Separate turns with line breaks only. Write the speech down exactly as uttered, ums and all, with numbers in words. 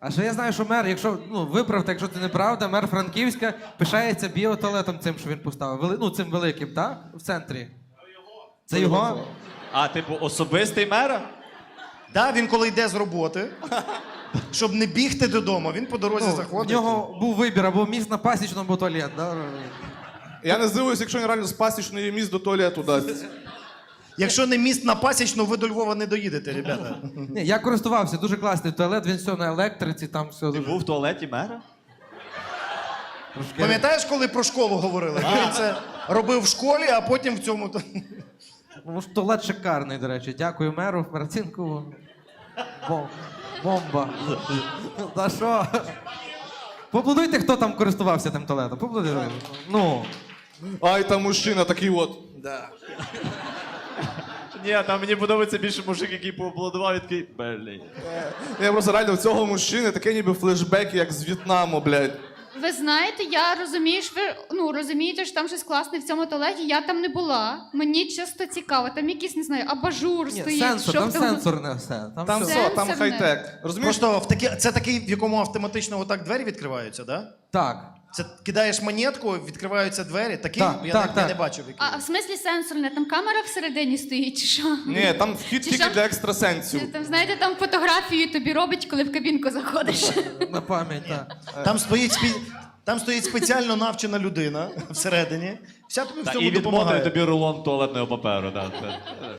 А ще я знаю, що мер, якщо, ну, виправте, якщо це неправда, мер Франківська пишається біотуалетом цим, що він поставив. Вели, ну, цим великим, так? В центрі. Це його?
А, типу, особистий мера?
Да, він коли йде з роботи, щоб не бігти додому, він по дорозі
Ну, в
заходить.
нього був вибір, або міст на Пасічному, або туалет. Да?
Я не здивуюсь, якщо він реально з пасічної міст до туалету дасть.
Якщо не міст на Пасічну, ви до Львова не доїдете, ребята.
Ні, я користувався, дуже класний туалет, він все на електриці, там все
Ти
дуже...
був в туалеті мера?
трошки-
Пам'ятаєш, коли про школу говорили? Він це робив в школі, а потім в цьому...
Ну, ж туалет шикарний, до речі. Дякую меру, Марцинкову. Бом... Бомба. Та що? Поаплодуйте, хто там користувався тим туалетом. Поаплодуйте. Ну.
Ай, там мужчина такий от.
Ні, там мені подобається більше мужик, який поаплодував і такий, блін.
Я просто реально в цього мужчини таке ніби флешбеки, як з В'єтнаму, блядь.
Ви знаєте, я розумію, що ви ну, розумієте, що там щось класне в цьому туалеті. Я там не була. Мені чисто цікаво. Там якийсь, не знаю, абажур
Ні,
стоїть.
сенсор,
що
там
в тому-
сенсорне все. Там,
Там
все.
все, там
Сенсорне.
хай-тек. Розумієш?
Просто в такі... це такий, в якому автоматично отак двері відкриваються, да?
Так.
Це кидаєш монетку, відкриваються двері. Такий
Так,
я,
так,
не, я
так.
не бачив. Який.
А в смислі сенсорне? Там камера всередині стоїть, чи що?
Ні, там вхід
Чи
тільки
що?
для екстрасенсів.
Там, знаєте, там фотографію тобі робить, коли в кабінку заходиш.
На пам'ять, так.
Там стоїть, спі... Там стоїть спеціально навчена людина всередині. Вся тобі в
Та,
цьому
і відмотує
допомагає.
тобі рулон туалетного паперу. Да.